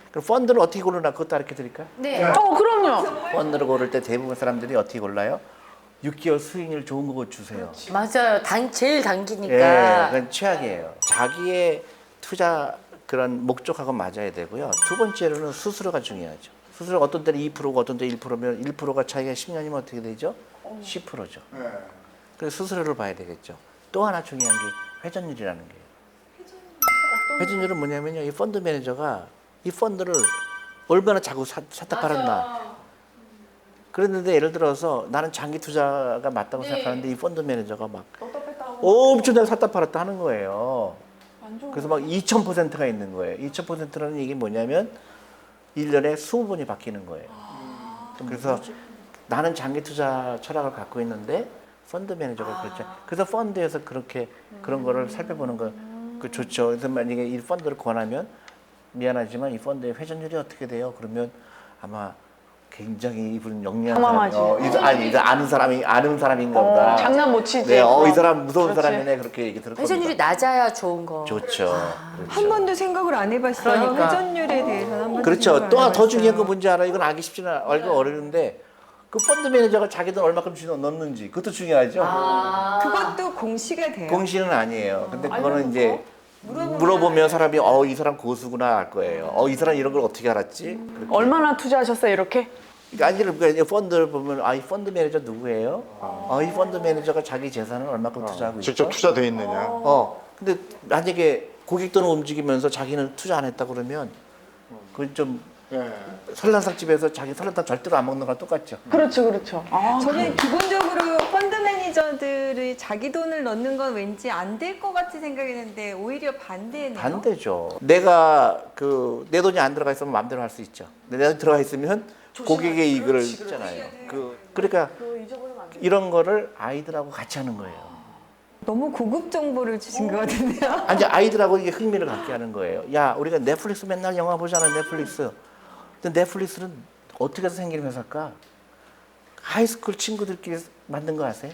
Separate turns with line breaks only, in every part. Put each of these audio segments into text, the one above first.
그럼 펀드를 어떻게 고르나 그것도 알려 드릴까요?
네.
그럼요.
펀드를 고를 때 대부분 사람들이 어떻게 골라요? 6개월 수익률 좋은 거 주세요.
맞아요. 제일
예,
당기니까.
그건 최악이에요. 자기의 투자 그런 목적하고 맞아야 되고요. 두 번째로는 수수료가 중요하죠. 수수료가 어떤 때는 2%고 어떤 때 1%면 1%가 차이가 10년이면 어떻게 되죠? 10%죠. 그래서 수수료를 봐야 되겠죠. 또 하나 중요한 게 회전율이라는 게요. 회전율은 뭐냐면요. 이 펀드 매니저가 이 펀드를 얼마나 자꾸 샀다 팔았나. 그랬는데 예를 들어서 나는 장기 투자가 맞다고 생각하는데 이 펀드 매니저가 막 엄청나게 샀다 팔았다 하는 거예요. 그래서 막 2000%가 있는 거예요. 2000%라는 얘기 뭐냐면 1년에 20번이 바뀌는 거예요. 그래서 나는 장기 투자 철학을 갖고 있는데 펀드 매니저가 그렇죠. 그래서 펀드에서 그렇게 그런 거를 살펴보는 거 그 좋죠. 그래서 만약에 이 펀드를 권하면 미안하지만 이 펀드의 회전율이 어떻게 돼요? 그러면 아마 굉장히 이분 영리한
당황하지.
사람, 이거 아는 사람인가 보다.
장난 못 치지.
네, 이 사람 무서운
그렇지.
사람이네 그렇게 얘기 들을 겁니다.
회전율이 낮아야 좋은 거.
좋죠. 그렇죠.
한 번도 생각을 안 해봤어요.
그러니까.
회전율에 대해서는 한 번도
그렇죠.
생각을 안
또 더
해봤어요.
중요한 거 뭔지 알아요? 이건 알기 쉽지는 알고 어려운데 그 펀드 매니저가 자기 돈 얼마큼 넣는지 그것도 중요하죠.
그것도 공시가 돼요.
공시는 아니에요. 근데 그거는 이제 물어보면 사람이 이 사람 고수구나 알 거예요. 이 사람 이런 걸 어떻게 알았지? 그렇게.
얼마나 투자하셨어요, 이렇게?
그러니까 펀드를 보면 이 펀드 매니저 누구예요? 이 펀드 매니저가 자기 재산을 얼마큼 투자하고 있어?
직접 투자돼 있느냐?
근데 만약에 고객 돈을 움직이면서 자기는 투자 안 했다 그러면 그건 좀 설렁탕 집에서 자기 설렁탕 절대로 안 먹는 거랑 똑같죠.
그렇죠, 그렇죠.
저는 기본적으로 펀드 매니저들이 자기 돈을 넣는 건 왠지 안 될 것 같이 생각했는데 오히려 반대네요.
반대죠. 내가 내 돈이 안 들어가 있으면 마음대로 할 수 있죠. 근데 내 돈 들어가 있으면 고객의 이익을 있잖아요. 그러니까 이런 거를 아이들하고 같이 하는 거예요.
너무 고급 정보를 주신 것 같은데요.
아니 아이들하고 이게 흥미를 갖게 하는 거예요. 야, 우리가 넷플릭스 맨날 영화 보잖아, 넷플릭스. 근데 넷플릭스는 어떻게 해서 생긴 회사일까? 하이스쿨 친구들끼리 만든 거 아세요?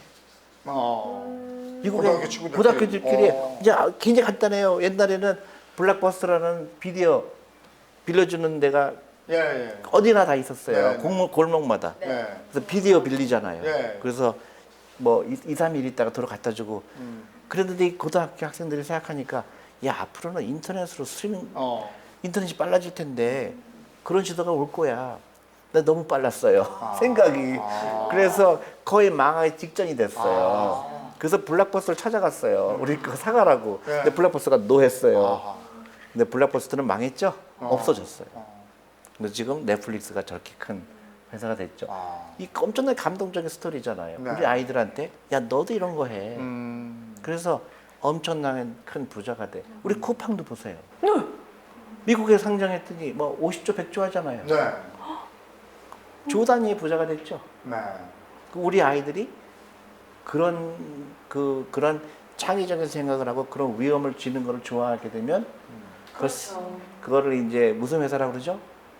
미국의
고등학교 친구들끼리.
고등학교들끼리 이제 굉장히 간단해요. 옛날에는 블락버스라는 비디오 빌려주는 데가
예.
어디나 다 있었어요.
네.
골목마다.
예.
그래서 비디오 빌리잖아요.
네.
그래서 뭐 2, 3일 있다가 도로 갖다 주고 그랬는데 이 고등학교 학생들이 생각하니까 야, 앞으로는 인터넷으로 스트리밍 인터넷이 빨라질 텐데 그런 시대가 올 거야. 근데 너무 빨랐어요. 생각이. 그래서 거의 망하기 직전이 됐어요. 그래서 블락버스를 찾아갔어요. 우리 그거 사가라고.
네.
근데 블락버스가 노했어요. 근데 블락버스는 망했죠? 없어졌어요. 근데 지금 넷플릭스가 저렇게 큰 회사가 됐죠. 이 엄청나게 감동적인 스토리잖아요.
네.
우리 아이들한테 야, 너도 이런 거 해. 그래서 엄청나게 큰 부자가 돼. 우리 쿠팡도 보세요. 미국에 상장했더니 뭐 50조, 100조 하잖아요.
네.
조 단위의 부자가 됐죠.
네.
우리 아이들이 그런 그런 창의적인 생각을 하고 그런 위험을 지는 거를 좋아하게 되면 그거를 이제 무슨 회사라고 그러죠?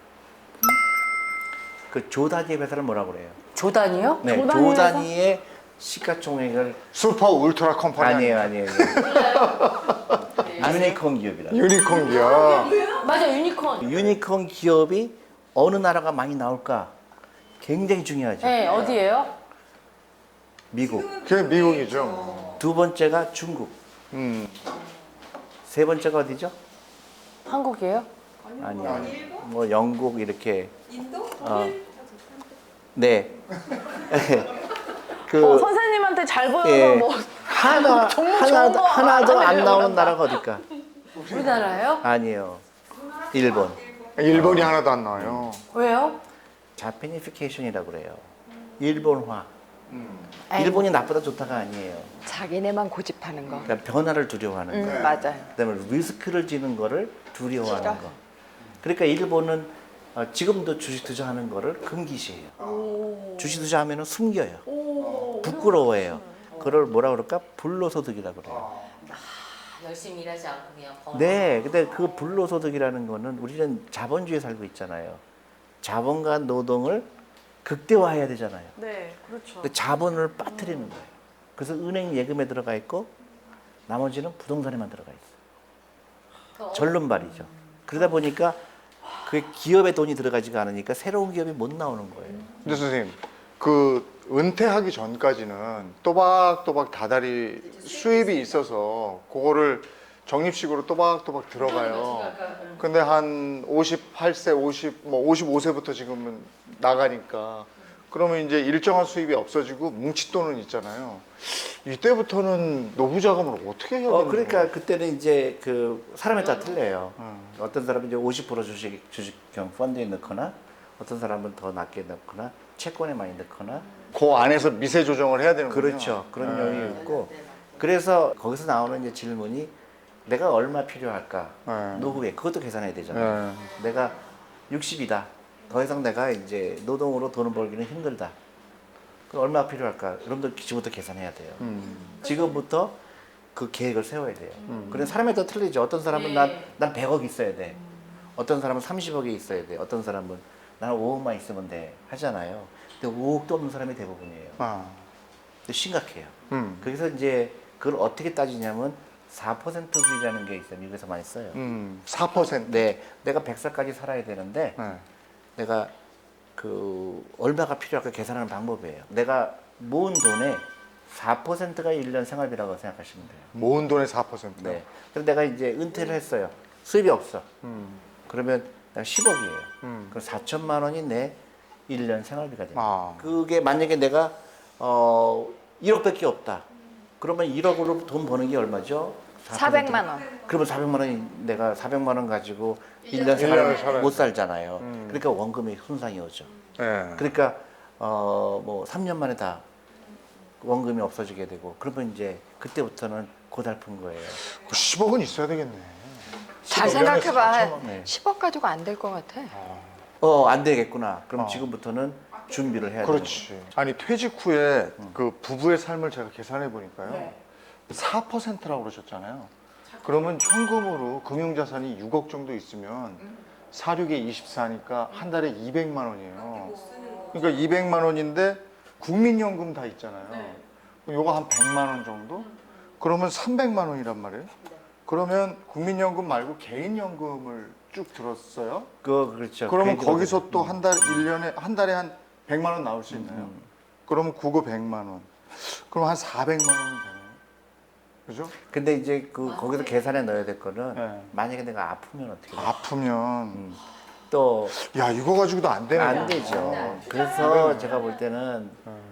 그 조 단위의 회사를 뭐라고 그래요?
조단이요?
네,
조
조
단위의 회사?
단위의 시가총액을
슈퍼 울트라 컴퍼니
아니에요. 유니콘 기업이라.
유니콘 기업.
맞아, 유니콘.
유니콘 기업이 어느 나라가 많이 나올까? 굉장히 중요하죠.
네, 어디예요?
미국.
그게 미국이죠.
두 번째가 중국. 세 번째가 어디죠?
한국이에요?
아니요. 뭐 영국 이렇게.
인도?
네. 그
선생님한테 잘 보여서
예.
뭐
하나도 안 나오는 나라가 어딜까?
우리나라요?
아니에요. 일본.
일본이 하나도 안 나와요.
왜요?
자페니피케이션이라고 그래요. 일본화.
아이고.
일본이 나쁘다 좋다가 아니에요.
자기네만 고집하는 거.
그러니까 변화를 두려워하는 거.
맞아요.
그다음에 리스크를 지는 거를 두려워하는 거. 그러니까 일본은 지금도 주식 투자하는 거를 금기시해요. 주식 투자하면은 숨겨요. 부끄러워해요. 그걸 뭐라 그럴까? 불로소득이라고 그래요.
열심히 일하지 않고 그냥 번.
네, 근데 그 불로소득이라는 거는 우리는 자본주의에 살고 있잖아요. 자본과 노동을 극대화해야 되잖아요.
네, 그렇죠.
근데 자본을 빠뜨리는 거예요. 그래서 은행 예금에 들어가 있고 나머지는 부동산에만 들어가 있어요. 절름발이죠. 그러다 보니까 그 기업에 돈이 들어가지가 않으니까 새로운 기업이 못 나오는 거예요.
근데 선생님, 그 은퇴하기 전까지는 또박또박 다달이 수입이 있어서 그거를 적립식으로 또박또박 들어가요. 근데 한 58세, 55세부터 지금은 나가니까 그러면 이제 일정한 수입이 없어지고 뭉칫돈은 있잖아요. 이때부터는 노후 자금을 어떻게 해야 되는
그러니까
거예요?
그때는 이제 그 사람에 따라 틀려요. 어떤 사람은 이제 50% 주식형 펀드에 넣거나 어떤 사람은 더 낮게 넣거나 채권에 많이 넣거나
그 안에서 미세 조정을 해야 되는 거죠.
그렇죠. 그런 요인이 있고 그래서 거기서 나오는 이제 질문이 내가 얼마 필요할까?
네.
노후에 그것도 계산해야 되잖아요. 내가 60이다. 더 이상 내가 이제 노동으로 돈을 벌기는 힘들다. 그럼 얼마 필요할까? 여러분들 지금부터 계산해야 돼요. 지금부터 그 계획을 세워야 돼요. 그런 사람에 따라 틀리죠. 어떤 사람은 난 100억 있어야 돼. 어떤 사람은 30억이 있어야 돼. 어떤 사람은 나는 5억만 있으면 돼. 하잖아요. 근데 5억도 없는 사람이 대부분이에요. 근데 심각해요. 그래서 이제 그걸 어떻게 따지냐면 4%비라는 게 있어요. 미국에서 많이 써요.
4%.
네, 내가 100살까지 살아야 되는데
네.
내가 그 얼마가 필요할까 계산하는 방법이에요. 내가 모은 돈의 4%가 1년 생활비라고 생각하시면 돼요.
모은 돈의 4%.
네. 그래서 내가 이제 은퇴를 했어요. 수입이 없어. 그러면 내가 10억이에요. 그럼 4천만 원이 내 1년 생활비가 돼요.
아.
그게 만약에 내가 1억밖에 없다. 그러면 1억으로 돈 버는 게 얼마죠?
400만 원.
그러면 400만 원이 내가 400만 원 가지고 1년
일년을 살아야
생활 못 살잖아요. 그러니까 원금이 손상이 오죠.
네.
그러니까 뭐 3년 만에 다 원금이 없어지게 되고 그러면 이제 그때부터는 고달픈 거예요.
10억은 있어야 되겠네.
잘
10억
생각해봐.
년에 4천만.
네.
10억 가지고 안 될 것 같아.
안 되겠구나. 그럼 지금부터는 준비를 해야 돼요.
그렇지. 아니 퇴직 후에 그 부부의 삶을 제가 계산해 보니까요. 4%라고 그러셨잖아요. 그러면 현금으로 금융자산이 6억 정도 있으면 4, 6에 24니까 한 달에 200만 원이에요. 그러니까 200만 원인데 국민연금 다 있잖아요. 그럼 요거 한 100만 원 정도? 그러면 300만 원이란 말이에요. 그러면 국민연금 말고 개인연금을 쭉 들었어요.
그렇죠.
그러면
그게
거기서 또 한 달, 1년에, 한 달에 한 100만 원 나올 수 있나요? 그러면 그거 100만 원. 그럼 한 400만 원은 되나요? 그죠?
근데 이제 그 거기서 계산해 넣어야 될 거는
네.
만약에 내가 아프면 어떻게 돼요?
아프면.
또
야, 이거 가지고도 안 되네.
안 되죠. 그래서 제가 볼 때는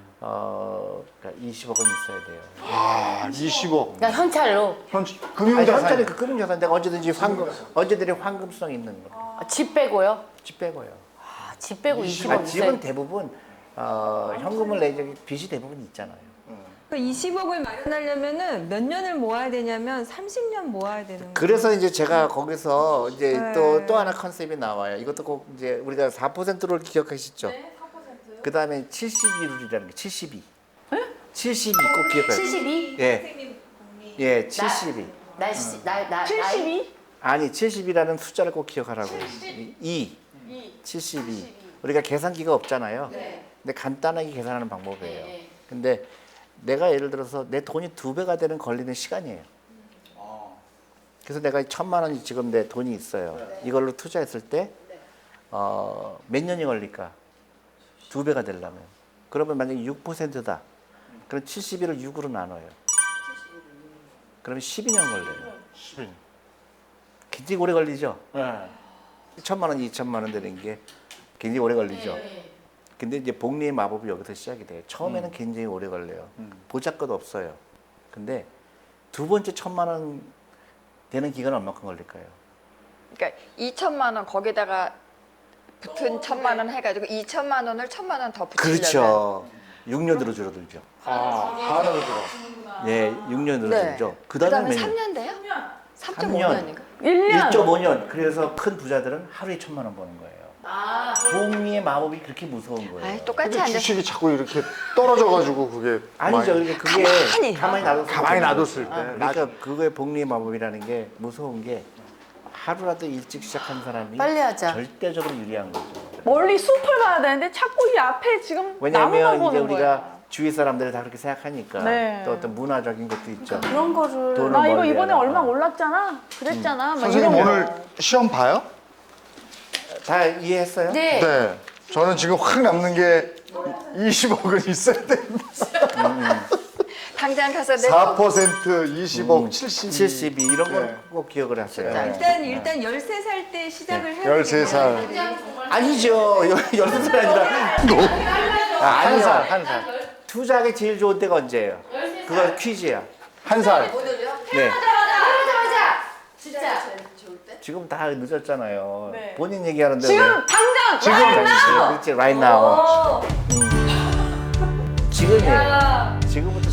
그러니까 20억은 있어야 돼요.
아, 20억.
그러니까 현찰로
현찰이
금융자산.
그 금융자산 내가 언제든지 언제든지 황금성 있는 거.
집 빼고요.
집 빼고요.
집 빼고 20억
아,
있어요.
집은 대부분 현금을 내지 빚이 대부분 있잖아요.
그 20억을 마련하려면은 몇 년을 모아야 되냐면 30년 모아야 되는 거예요.
그래서 이제 제가 거기서 이제
네.
또 하나 컨셉이 나와요. 이것도 꼭 이제 우리가 4%를 기억하시죠? 네, 4%요. 그 다음에 72룰이라는 게 72. 72 꼭 기억해요.
72?
예. 예, 72.
나
72?
아니, 70이라는 숫자를 꼭 기억하라고. 72. 우리가 계산기가 없잖아요. 근데 간단하게 계산하는 방법이에요. 근데 내가 예를 들어서 내 돈이 2배가 되는 걸리는 시간이에요. 그래서 내가 1,000만 원이 지금 내 돈이 있어요. 이걸로 투자했을 때 몇 년이 걸릴까? 2배가 되려면. 그러면 만약에 6%다. 그럼 71을 6으로 나눠요. 그러면 12년 걸려요.
10인.
굉장히 오래 걸리죠?
네.
1,000만 원, 2,000만 원 되는 게 굉장히 오래 걸리죠. 근데 이제 복리의 마법이 여기서 시작이 돼요. 처음에는 굉장히 오래 걸려요. 보잘것 없어요. 근데 두 번째 1,000만 원 되는 기간은 얼마큼 걸릴까요?
그러니까 2천만 원 거기다가 붙은 1,000만 원 해가지고 2천만 원을 1,000만 원 더 붙이려면.
그렇죠. 6년으로 줄어들죠.
한으로 들어.
예, 6년으로
네.
줄죠. 그
그다음에
다음에 몇 년?
3년 돼요?
3년.
3.5년인가?
1년.
1.5년. 그래서 큰 부자들은 하루에 1,000만 원 버는 거예요.
아,
복리의 마법이 그렇게 무서운 거예요.
아이, 똑같이
근데
앉아서.
주식이 자꾸 이렇게 떨어져가지고 그게.
아니죠.
많이-
그러니까 그게 가만히 놔뒀을 때.
가만히 놔뒀을 때.
그러니까 그거의 복리의 마법이라는 게 무서운 게 하루라도 일찍 시작한 사람이
빨리 하자.
절대적으로 유리한 거죠.
멀리 숲을 봐야 되는데 자꾸 이 앞에 지금 나무만
왜냐하면 이제
보는
우리가
거야.
주위 사람들이 다 그렇게 생각하니까
네.
또 어떤 문화적인 것도 있죠.
그런 거를
돈을
나 이거
멀리
이번에
하다가.
얼마 올랐잖아. 그랬잖아. 막
선생님
이런 거.
오늘 시험 봐요?
다 이해했어요?
네.
네. 저는 지금 확 남는 게 20억은 있어야 됩니다.
당장 가서 내
4% 20억 72.
72 이런 거
네.
꼭 기억을 하세요.
일단 13살 때 시작을 해야
13살.
아니죠. 16살 아니라. 아니요. 한 살. 투자하기 제일 좋은 때가 언제예요? 그거 퀴즈야.
한 살.
네.
진짜.
지금 다 늦었잖아요.
네.
본인 얘기하는데.
지금
왜?
당장
지금. 그렇지, right now. 지금이에요. 지금부터